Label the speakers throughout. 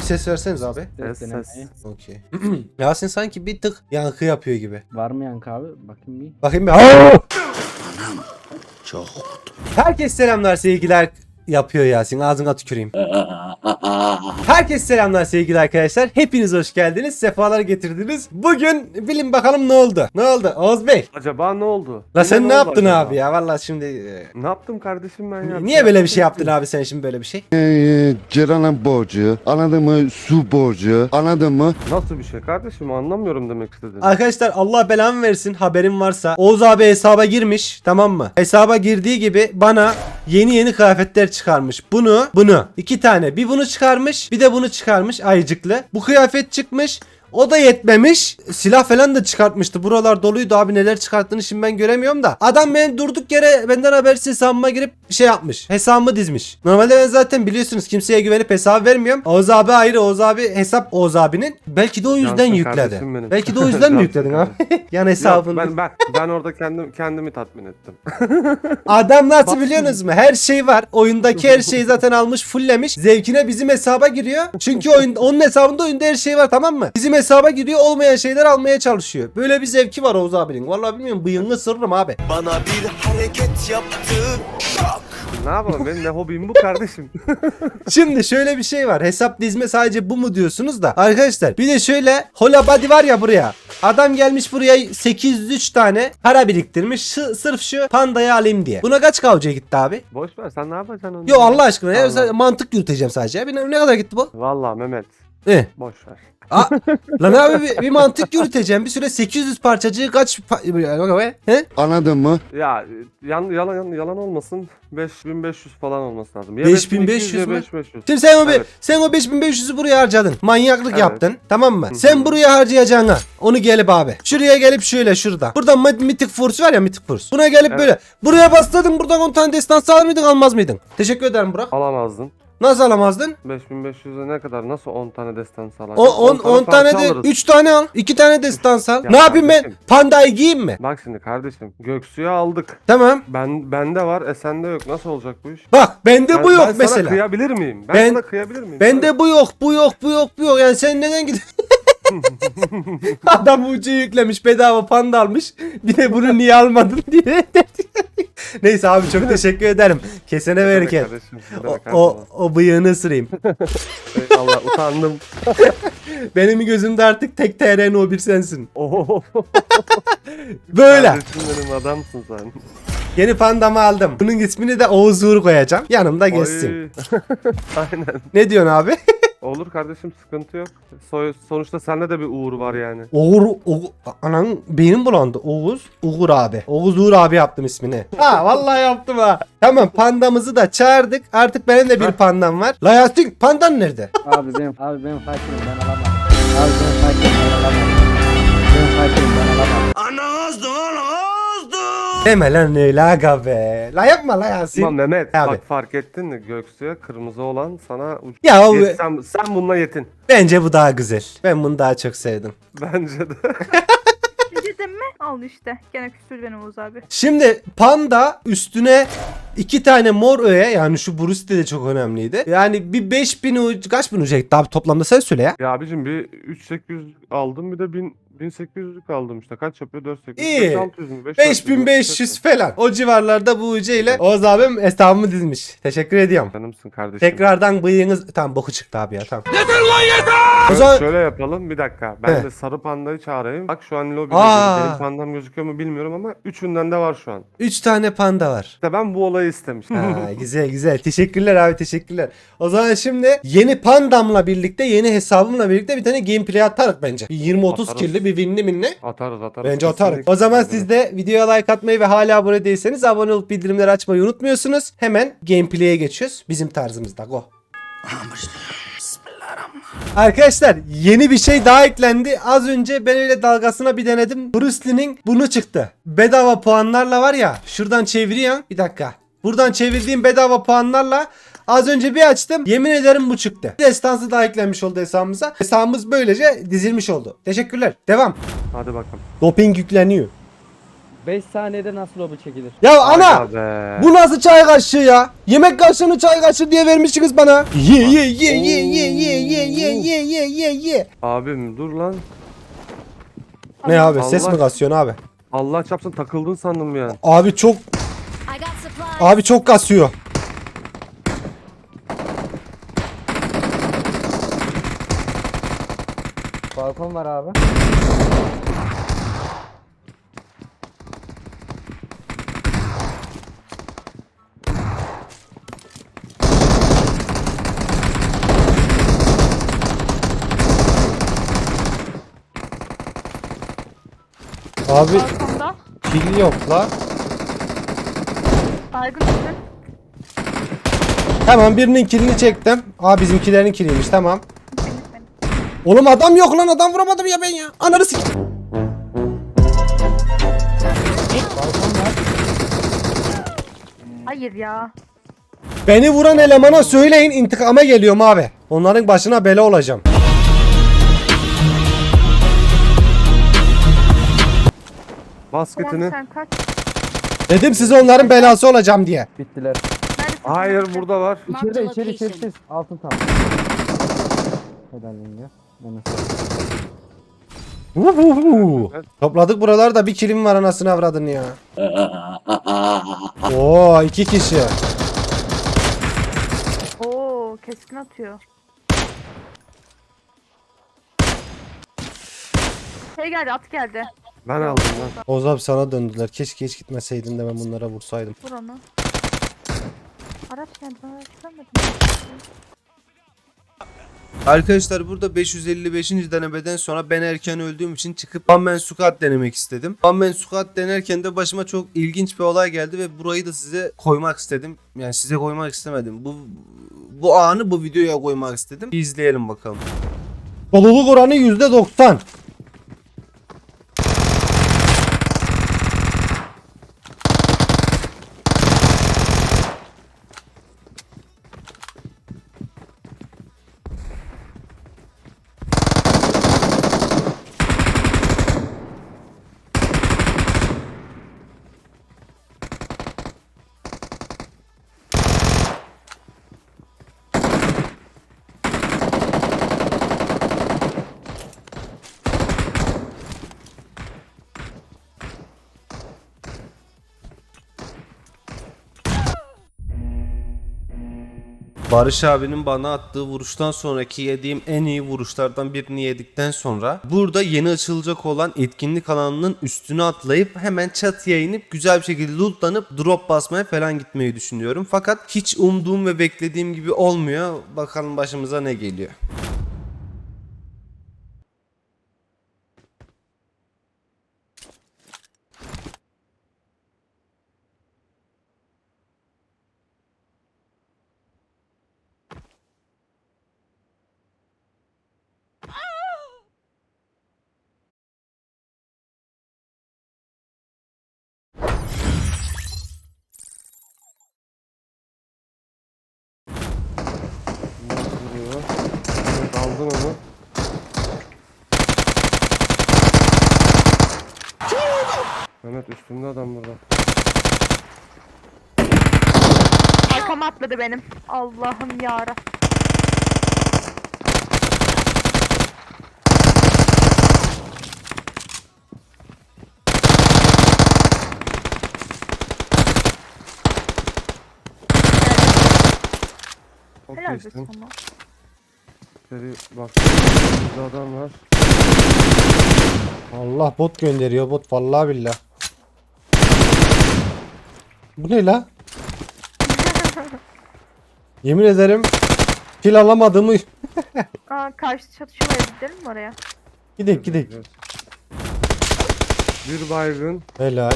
Speaker 1: ses verseniz abi.
Speaker 2: Ses.
Speaker 1: Okey. Yasin sanki bir tık yankı yapıyor gibi.
Speaker 2: Var mı yankı abi? Bakayım bir.
Speaker 1: Bakayım bir. Aa! Çok. Herkes selamlar sevgiler yapıyor Yasin. Ağzına tüküreyim. Herkes selamlar sevgili arkadaşlar. Hepiniz hoş geldiniz. Sefalar getirdiniz. Bugün bilin bakalım ne oldu? Ne oldu Oğuz Bey?
Speaker 3: Acaba ne oldu?
Speaker 1: La sen
Speaker 3: Yine
Speaker 1: ne
Speaker 3: oldu
Speaker 1: yaptın
Speaker 3: acaba?
Speaker 1: abi ya? Vallahi şimdi
Speaker 3: Ne yaptım kardeşim ben ya?
Speaker 1: niye böyle bir şey yaptın abi sen şimdi böyle bir şey?
Speaker 4: Ceren'in borcu, anladın mı? Su borcu, anladın mı?
Speaker 3: Nasıl bir şey kardeşim, anlamıyorum demek istediğini.
Speaker 1: Arkadaşlar Allah belamı versin, haberim varsa Oğuz abi hesaba girmiş, tamam mı? Hesaba girdiği gibi bana yeni kıyafetler çıkarmış. Bunu iki tane, bir bunu çıkarmış bir de bunu çıkarmış ayıcıklı. Bu kıyafet çıkmış. O da yetmemiş. Silah falan da çıkartmıştı. Buralar doluydu abi, neler çıkarttığını şimdi ben göremiyorum da. Adam benim durduk yere benden habersiz hesabıma girip şey yapmış. Hesabımı dizmiş. Normalde ben zaten biliyorsunuz kimseye güvenip hesap vermiyorum. Oğuz abi ayrı, Oğuz abi hesap Oğuz abinin. Belki de o yüzden
Speaker 3: Yansın
Speaker 1: yükledi.
Speaker 3: kardeşim benim.
Speaker 1: Belki de o yüzden mi
Speaker 3: Yansın
Speaker 1: yükledin abi? Yani
Speaker 3: Yok,
Speaker 1: hesabını.
Speaker 3: ben orada kendimi tatmin ettim.
Speaker 1: Adam nasıl biliyorsunuz mu? Her şey var. Oyundaki her şeyi zaten almış, fulllemiş. Zevkine bizim hesaba giriyor. Çünkü onun hesabında oyunda her şey var, tamam mı? Bizim hesaba giriyor, olmayan şeyler almaya çalışıyor. Böyle bir zevki var Oğuz abinin. Vallahi bilmiyorum, bıyığını ısırırım abi.
Speaker 5: Bana bir hareket yaptı. Şok.
Speaker 3: Ne yapalım, benim ne hobim bu kardeşim.
Speaker 1: Şimdi şöyle bir şey var. Hesap dizme sadece bu mu diyorsunuz da. Arkadaşlar bir de şöyle Hola Body var ya buraya. Adam gelmiş buraya 803 tane para biriktirmiş. Sırf şu pandayı alayım diye. Buna kaç kavcaya gitti abi?
Speaker 3: Boş ver, sen ne yapacaksın onu?
Speaker 1: Yo Allah aşkına ya.
Speaker 3: Allah.
Speaker 1: Mantık yürüteceğim sadece. Ya. Ne kadar gitti bu?
Speaker 3: Vallahi Mehmet, boş ver.
Speaker 1: Lan abi bir mantık yürüteceğim. Bir süre 800 parçacığı kaç he?
Speaker 4: Anladın mı?
Speaker 3: Ya yalan olmasın, 5500 falan olması lazım. Ya
Speaker 1: 5500
Speaker 3: ya
Speaker 1: mü?
Speaker 3: 5500.
Speaker 1: Şimdi sen
Speaker 3: Evet.
Speaker 1: sen o 5500'ü buraya harcadın. Manyaklık
Speaker 3: Evet.
Speaker 1: yaptın. Tamam mı?
Speaker 3: Hı hı.
Speaker 1: Sen buraya harcayacağına onu gelip abi. Şuraya gelip şöyle şurada. Buradan Mythic Force var ya, Mythic Force. Buna gelip
Speaker 3: Evet.
Speaker 1: böyle. Buraya bastırdın, buradan 10 tane destansı alır mıydın, almaz mıydın? Teşekkür ederim Burak.
Speaker 3: Alamazdın.
Speaker 1: Nasıl alamazdın?
Speaker 3: 5500'e ne kadar? Nasıl 10 tane destan sağlar?
Speaker 1: 10 tane de 3 tane al. 2 tane destansı al.
Speaker 3: Ya
Speaker 1: Ne yapayım ben?
Speaker 3: kardeşim.
Speaker 1: Pandayı giyeyim mi?
Speaker 3: Bak şimdi kardeşim, Göksu'yu aldık.
Speaker 1: Tamam.
Speaker 3: Bende var, sende yok. Nasıl olacak bu iş?
Speaker 1: Bak bende bu
Speaker 3: Ben
Speaker 1: yok
Speaker 3: sana
Speaker 1: mesela.
Speaker 3: kıyabilir miyim?
Speaker 1: Ben-
Speaker 3: Sana kıyabilir miyim?
Speaker 1: Bende bu yok, bu yok, bu yok, bu yok. Yani sen neden gidiyorsun? Adam ucu yüklemiş, bedava panda almış. Bir de bunu niye almadın diye. Neyse abi, çok teşekkür ederim. Kesene verirken. O bıyığını ısırayım.
Speaker 3: Allah, utandım.
Speaker 1: Benim gözümde artık tek TR'nin o bir sensin.
Speaker 3: Oho.
Speaker 1: Böyle.
Speaker 3: Kardeşim benim, adamsın sen.
Speaker 1: Yeni pandamı aldım. Bunun ismini de Oğuz Uğur koyacağım. Yanımda geçsin.
Speaker 3: Oy. Aynen.
Speaker 1: Ne diyorsun abi?
Speaker 3: Olur kardeşim, sıkıntı yok. Sonuçta sende de bir uğur var yani.
Speaker 1: Anan beynim bulandı. Uğur abi. Oğuz Uğur abi yaptım ismini. Ha vallahi yaptım ha. Tamam, pandamızı da çağırdık. Artık benim de bir pandam var. La Yasin, pandan nerede?
Speaker 2: Abi benim fakirim, ben alamam. Abi benim fakirim, ben alamam. Benim fakirim, ben alamam.
Speaker 5: Ana azdı ana azdı.
Speaker 1: Deme lan öyle aga be. La yapma la Yasin.
Speaker 3: Tamam Mehmet,
Speaker 1: Abi.
Speaker 3: bak fark ettin mi? Göksu'ya kırmızı olan sana
Speaker 1: Ya o,
Speaker 3: sen bununla yetin.
Speaker 1: bence bu daha güzel. Ben bunu daha çok sevdim.
Speaker 3: Bence de.
Speaker 6: Dedim mi? Al işte. Gene küstürdü beni Oğuz abi.
Speaker 1: Şimdi panda üstüne 2 tane mor öğe, yani şu Bruce de çok önemliydi. Yani bir 5000 kaç bin uca gitti abi toplamda, sen söyle ya.
Speaker 3: Ya abicim, bir 3800 aldım, bir de 1800'lük aldım işte. Kaç yapıyor? 4800.
Speaker 1: İyi.
Speaker 3: 5600 mü?
Speaker 1: 5500 falan. O civarlarda bu uca ile Oğuz abim hesabımı dizmiş. Teşekkür ediyorum.
Speaker 3: Canımsın kardeşim.
Speaker 1: Tekrardan bıyığınız... Tamam, boku çıktı abi ya, tamam. O zaman...
Speaker 3: Şöyle yapalım, bir dakika. Ben
Speaker 1: He.
Speaker 3: de sarı pandayı çağırayım. Bak şu an lobide benim pandam gözüküyor mu bilmiyorum ama üçünden de var şu an.
Speaker 1: 3 tane panda var.
Speaker 3: İşte ben bu olayı istemiştim.
Speaker 1: Ha, güzel. Teşekkürler abi, teşekkürler. O zaman şimdi yeni pandamla birlikte, yeni hesabımla birlikte bir tane gameplay atarız bence. Bir 20-30
Speaker 3: Atarız.
Speaker 1: killi bir winli minli.
Speaker 3: Atarız.
Speaker 1: Bence atarız.
Speaker 3: Kesinlikle.
Speaker 1: O zaman siz de videoya like atmayı ve hala abone değilseniz abone olup bildirimleri açmayı unutmuyorsunuz. Hemen gameplay'e geçiyoruz. Bizim tarzımızda. Go. Arkadaşlar yeni bir şey daha eklendi. Az önce ben öyle dalgasına bir denedim. Bruce Lee'nin bunu çıktı. Bedava puanlarla var ya. Şuradan çeviriyorsun. Bir dakika. Buradan çevirdiğim bedava puanlarla az önce bir açtım. Yemin ederim bu çıktı. Destansı daha eklenmiş oldu hesabımıza. Hesabımız böylece dizilmiş oldu. Teşekkürler. Devam.
Speaker 3: Hadi bakalım.
Speaker 1: Doping yükleniyor.
Speaker 2: 5 saniyede nasıl lobi çekilir?
Speaker 1: Ya ana!
Speaker 3: Aga be.
Speaker 1: Bu nasıl çay kaşığı ya? Yemek kaşığını çay kaşığı diye vermişsiniz bana. Ye ye ye ye ye ye ye ye ye ye ye ye.
Speaker 3: Abim dur lan.
Speaker 1: Ne abi ses
Speaker 3: Allah-
Speaker 1: mi kasıyorsun abi?
Speaker 3: Allah çarpsın takıldın sandım ya.
Speaker 1: Abi çok
Speaker 7: I got supplies.
Speaker 1: abi çok kasıyor.
Speaker 2: Balkon var abi.
Speaker 1: Abi
Speaker 6: Balkonda.
Speaker 1: pil yok la.
Speaker 6: Baygın üstün.
Speaker 1: Tamam birinin kilini çektim. Aa bizimkilerin kiliymiş tamam.
Speaker 6: Benim.
Speaker 1: Oğlum adam yok lan adam vuramadım ya ben ya. Ananı sik.
Speaker 6: Hayır ya.
Speaker 1: Beni vuran elemana söyleyin intikama geliyorum abi. Onların başına bela olacağım.
Speaker 3: Basketini.
Speaker 6: Tamam sen kaç.
Speaker 1: Dedim size onların belası olacağım diye.
Speaker 2: Bittiler.
Speaker 6: Neredesin?
Speaker 3: Hayır burada var.
Speaker 7: Marked
Speaker 2: İçeride
Speaker 7: a
Speaker 2: içeri
Speaker 7: location.
Speaker 2: sessiz. Altın tam. Helal yenge. Ben
Speaker 1: Uhuhu. Topladık buralarda bir kilim var anasını avradın ya. Oo 2 kişi.
Speaker 6: Oo keskin atıyor. Şey geldi at geldi.
Speaker 3: Ben aldım lan.
Speaker 1: Oğuz abi sana döndüler. Keşke hiç gitmeseydin de ben bunlara vursaydım.
Speaker 6: Vur onu. Araç geldi ben araç görmedim.
Speaker 1: Arkadaşlar burada 555. denemeden sonra ben erken öldüğüm için çıkıp One Man Squad denemek istedim. One Man Squad denerken de başıma çok ilginç bir olay geldi ve burayı da size koymak istedim. Yani size koymak istemedim. Bu anı bu videoya koymak istedim. Bir izleyelim bakalım. Doluluk oranı %90. Barış abinin bana attığı vuruştan sonraki yediğim en iyi vuruşlardan birini yedikten sonra burada yeni açılacak olan etkinlik alanının üstüne atlayıp hemen çatıya inip güzel bir şekilde lootlanıp drop basmaya falan gitmeyi düşünüyorum. Fakat hiç umduğum ve beklediğim gibi olmuyor. Bakalım başımıza ne geliyor.
Speaker 3: Nasıl vuruyor? Evet, aldın onu. Mehmet üstünde adam burada.
Speaker 6: Arkama atladı benim. Allah'ım yarabbim.
Speaker 3: Çok
Speaker 6: Helal be
Speaker 3: geçtim.
Speaker 6: sana.
Speaker 3: İçeri bak. Burada adam var.
Speaker 1: Allah bot gönderiyor bot vallahi billah. Bu ne la? Yemin ederim kill alamadığımı
Speaker 6: Aa karşı çatışma var gidelim mi oraya?
Speaker 1: gidek gidek.
Speaker 3: Evet. Bir baygın.
Speaker 1: Helal.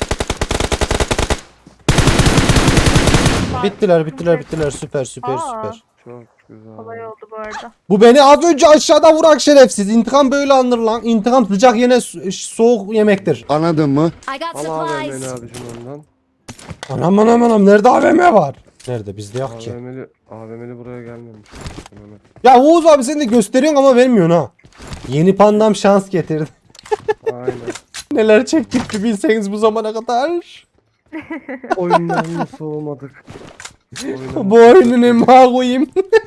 Speaker 1: Bittiler süper süper
Speaker 6: Aa.
Speaker 1: süper.
Speaker 3: Çok güzel.
Speaker 6: Kolay oldu bu arada.
Speaker 1: Bu beni az önce aşağıda vurak şerefsiz. İntikam böyle alınır lan. İntikam sıcak yine soğuk yemektir.
Speaker 4: Anladın mı?
Speaker 7: I got
Speaker 3: Al AVM'li
Speaker 7: supplies.
Speaker 3: abicim ondan.
Speaker 1: Anam nerede AVM var? Nerede bizde yok ki.
Speaker 3: AVM'li buraya gelmemiş. Mehmet.
Speaker 1: Ya Oğuz abi sen de gösteriyorsun ama vermiyorsun ha. Yeni pandam şans getirdi.
Speaker 3: Aynen.
Speaker 1: Neler çektik bir bilseniz bu zamana kadar.
Speaker 3: Oyundan mı soğumadık? Oyundan
Speaker 1: Bu oyunun emma koyayım.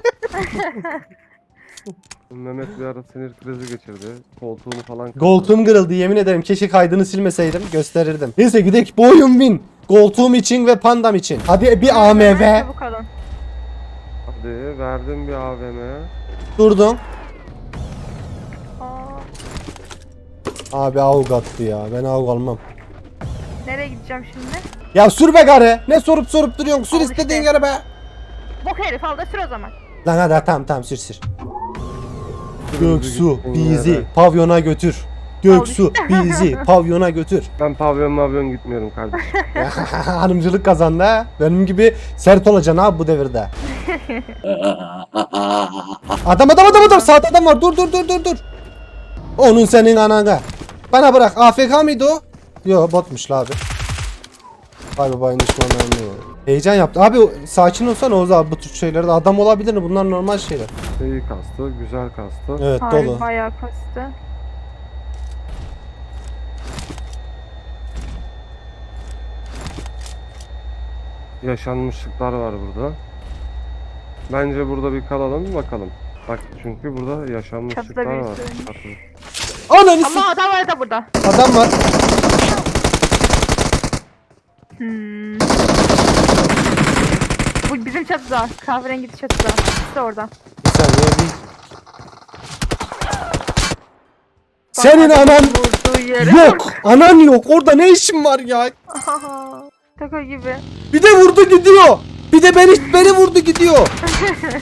Speaker 3: Mehmet bir ara sinir krizi geçirdi. Koltuğunu falan kırdı.
Speaker 1: Koltuğum kırıldı yemin ederim. Keşke kaydını silmeseydim gösterirdim. Neyse gidelim bu oyun win. Koltuğum için ve pandam için. Hadi bir AMV.
Speaker 6: Çabuk alın.
Speaker 3: Hadi verdim bir AVM'ye.
Speaker 1: Durdum.
Speaker 6: Aa,
Speaker 1: Abi avuk attı ya. Ben avuk almam.
Speaker 6: nereye gideceğim şimdi?
Speaker 1: Ya sür be gari. Ne sorup duruyorsun? Sür
Speaker 6: Al
Speaker 1: istediğin
Speaker 6: işte.
Speaker 1: yere be.
Speaker 6: Bok herif al da sür o zaman.
Speaker 1: Lan hadi tamam sür. Göksu
Speaker 3: gittiğin
Speaker 1: bizi
Speaker 3: yere.
Speaker 1: pavyona götür. Göksu bizi pavyona götür.
Speaker 3: Ben pavyon gitmiyorum kardeşim.
Speaker 1: Hanımcılık kazandı ha. Benim gibi sert olacaksın abi bu devirde. Adam sağda adam var. Dur. Onun senin anana. Bana bırak. AFK mıydı o? Yo botmuş la abi. Vay babayın düşmanlarını ya. Heyecan yaptı. Abi sakin olsana Oğuz abi bu tür şeylerde. Adam olabilir mi? Bunlar normal şeyler.
Speaker 3: İyi kastı, güzel kastı.
Speaker 1: Evet
Speaker 6: Harbi
Speaker 1: dolu.
Speaker 6: bayağı kastı.
Speaker 3: Yaşanmışlıklar var burada. Bence burada bir kalalım bakalım. Bak çünkü burada yaşanmışlıklar
Speaker 6: Çatıda
Speaker 3: var.
Speaker 6: birisi ölmüş.
Speaker 3: Çatı.
Speaker 1: Ananı s-
Speaker 6: Ama adam var da burada.
Speaker 1: Adam var.
Speaker 6: Hmm. Bu bizim çatıda. Kahverengi çatıda. İşte orada.
Speaker 1: Bir saniye bir. Senin
Speaker 6: Bak,
Speaker 1: anan
Speaker 6: vurduğu yere
Speaker 1: yok. Anan yok. Orada ne işin var ya?
Speaker 6: Ahaha, Şaka gibi.
Speaker 1: Bir de vurdu gidiyor. Bir de beni vurdu gidiyor.